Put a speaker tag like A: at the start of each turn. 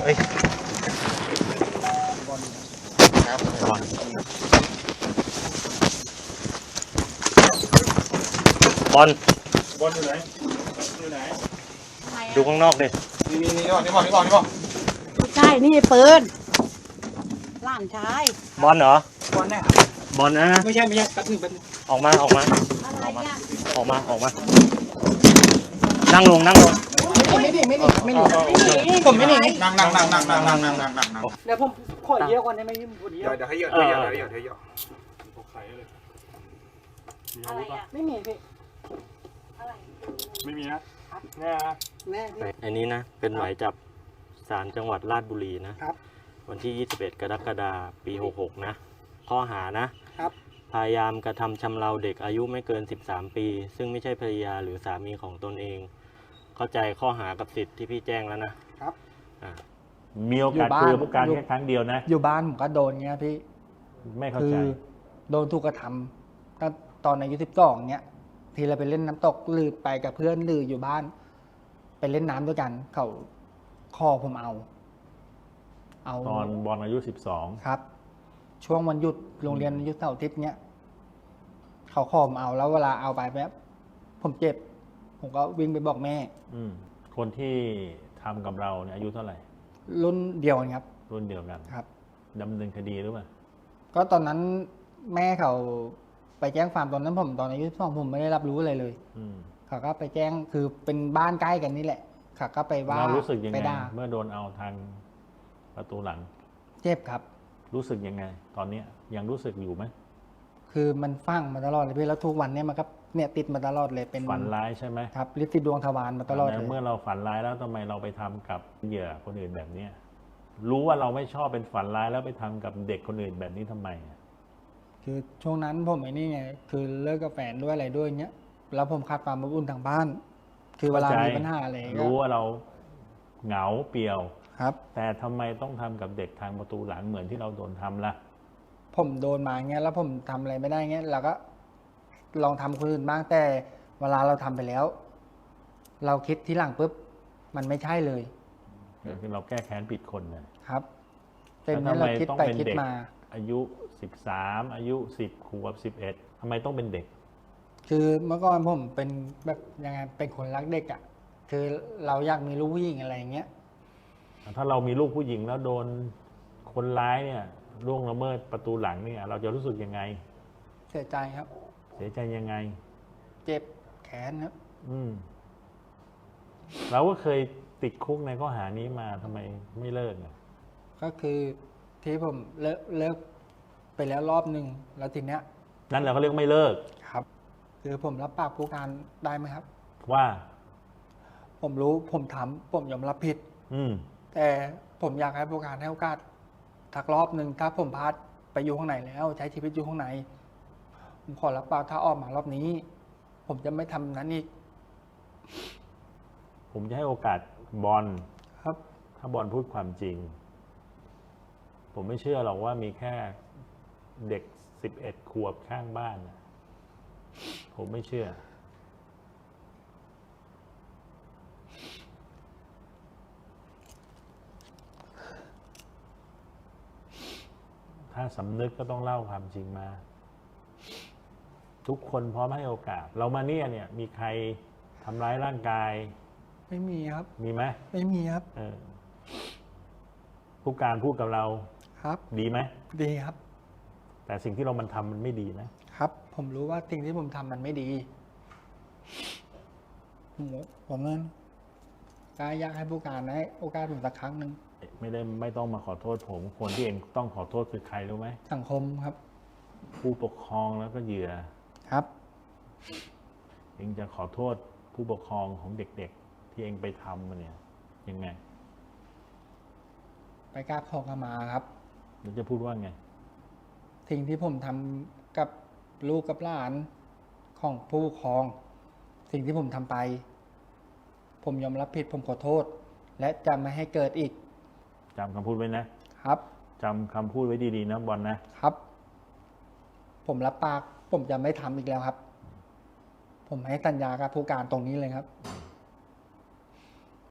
A: เฮ้ยครับบอลอยู่ไหนดูข้างนอกดินี่บอก
B: ใช่นี่ปืนหลานชาย
A: บอลเหรอบ
C: อลเนี่ย
A: บอลนะ
C: ไม่ใช่แป๊บนึง
A: ออกมา
B: อะไรเนี่ย
A: นั่งลง
C: ไม่หนีผมไม่หนีนั่งเดี๋ยวผมขอเยอะกว่านี้ไม่ยิ่งพอดีเดี๋ยวให้เยอะ
B: อะไรอ่ะ
C: ไม่มีพี่
B: อะไร
D: ไม่มีนะแน่นะ
A: อันนี้นะเป็นหมายจับศาลจังหวัดราชบุรีนะครับวันที่ 21 กรกฎาคม ปี 66 นะข้อหานะครับพยายามกระทำชำเราเด็กอายุไม่เกิน 13 ปี ซึ่งไม่ใช่ภรรยาหรือสามีของตนเอง เข้าใจข้อหากับสิทธิ์ที่พี่แจ้งแล้วนะครับ
D: มีโอกาสเจอผู้การแค่ครั้งเดียวนะ
C: อยู่บ้านผมก็โดนเงี้ยพี่
D: ไม่เข้าใจ
C: โดนถูกกระทำตั้งตอนอายุ12เงี้ยทีเราไปเล่นน้ำตกหรือไปกับเพื่อนหรืออยู่บ้านไปเล่นน้ำด้วยกันเขาข้อผมเอา
D: ตอนบอลอายุ12
C: ครับช่วงวันหยุดโรงเรียนหยุดเสาร์อาทิตย์เนี้ยเขาข้อผมเอาแล้วเวลาเอาไปแบบผมเจ็บผมก็วิ่งไปบอกแม่
D: คนที่ทำกับเราเนี่ยอายุเท่าไหร่
C: รุ่นเดียวกันครับ
D: รุ่นเดียวกัน
C: ครับ
D: ดำเนินคดีหรือเปล่า
C: ก็ตอนนั้นแม่เขาไปแจ้งความตอนนั้นผมตอนอายุ12ผมไม่ได้รับรู้อะไรเลยเขาก็ไปแจ้งคือเป็นบ้านใกล้กันนี่แหละเขาก็ไปว่า
D: เรารู้สึกยังไงเมื่อโดนเอาทางประตูหลัง
C: เจ็บครับ
D: รู้สึกยังไงตอนนี้ยังรู้สึกอยู่ไหม
C: คือมันฟังมาตลอดเลยพี่แล้วทุกวันเนี่ยมันก็เนี่ยติดมาตลอดเลยเป็น
D: ฝันร้ายใช่ไหม
C: ครับลิติดดวงทวารมาตลอดเลย
D: เมื่อเราฝันร้ายแล้วทำไมเราไปทำกับเหยื่อคนอื่นแบบนี้รู้ว่าเราไม่ชอบเป็นฝันร้ายแล้วไปทำกับเด็กคนอื่นแบบนี้ทำไม
C: คือช่วงนั้นผมไอ้นี่ไงคือเลิกกับแฟนด้วยอะไรด้วยเงี้ยแล้วผมขาดความอบอุ่นทางบ้านคือเวลามีปัญหาอะไร
D: รู้ว่าเราเหงาเปลี่ยว
C: ครับ
D: แต่ทำไมต้องทำกับเด็กทางประตูหลังเหมือนที่เราโดนทำล่ะ
C: ผมโดนมาเงี้ยแล้วผมทำอะไรไม่ได้เงี้ยเราก็ลองทำคนอื่นบ้างแต่เวลาเราทำไปแล้วเราคิดทีหลังปุ๊บมันไม่ใช่เลย
D: คือเราแก้แค้นผิดคน
C: นะครับเป็นเมื่อเราคิดไปคิดมา
D: อายุ13อายุ10 ขวบ11ทำไมต้องเป็นเด็ก
C: คือเมื่อก่อนผมเป็นแบบยังไงเป็นคนรักเด็กอ่ะคือเราอยากมีลูกผู้หญิงอะไรเงี้ย
D: ถ้าเรามีลูกผู้หญิงแล้วโดนคนร้ายเนี่ยล่วงละเมิดประตูหลังเนี่ยเราจะรู้สึกยังไง
C: เสียใจครับ
D: เสียใจยังไง
C: เจ็บแขนครับ
D: เราก็เคยติดคุกในข้อหานี้มาทำไมไม่เลิก
C: ก็คือที่ผมเลิกไปแล้วรอบหนึ่งแล้วทีเนี้ย
D: นั่นเราก็เรียกไม่เลิก
C: ครับคือผมรับปากผู้การได้ไหมครับ
D: ว่า
C: ผมรู้ผมทำผมยอมรับผิดแต่ผมอยากให้ผู้การให้โอกาสทักรอบหนึ่งถ้าผมพลาดไปอยู่ข้างในแล้วใช้ชีวิตอยู่ข้างในผมขอรับปากถ้าออกมารอบนี้ผมจะไม่ทำนั้นอีก
D: ผมจะให้โอกาสบอล
C: ครับ
D: ถ้าบอลพูดความจริงผมไม่เชื่อหรอกว่ามีแค่เด็ก11 ขวบข้างบ้านผมไม่เชื่อถ้าสำนึกก็ต้องเล่าความจริงมาทุกคนพร้อมให้โอกาสเรามาเนี่ยมีใครทำร้ายร่างกาย
C: ไม่มีครับ
D: มีไหม
C: ไม่มีครับ
D: ผู้การพูดกับเรา
C: ครับ
D: ดีไหม
C: ดีครับ
D: แต่สิ่งที่เรามันทำมันไม่ดี
C: นะครับผมรู้ว่าสิ่งที่ผมทำมันไม่ดีผมนั้นก็อยากให้ผู้การให้โอกาสผมสักครั้งหนึ่ง
D: ไม่ต้องมาขอโทษผมคนที่เองต้องขอโทษคือใครรู้ไหม
C: สังคมครับ
D: ผู้ปกครองแล้วก็เหยื่อ
C: ครับ
D: เองจะขอโทษผู้ปกครองของเด็กๆที่เองไปทำมันเนี่ยยังไง
C: ไปกราบขอขมาครับ
D: แล้วจะพูดว่าไง
C: สิ่งที่ผมทำกับลูกกับหลานของผู้ปกครองสิ่งที่ผมทำไปผมยอมรับผิดผมขอโทษและจะไม่ให้เกิดอีก
D: จำคำพูดไว้นะครับจำคำพูดไว้ดีๆนะบอล
C: นะครับผมรับปากผมจะไม่ทำอีกแล้วครับผมให้สัญญากับผู้การตรงนี้เลยครับ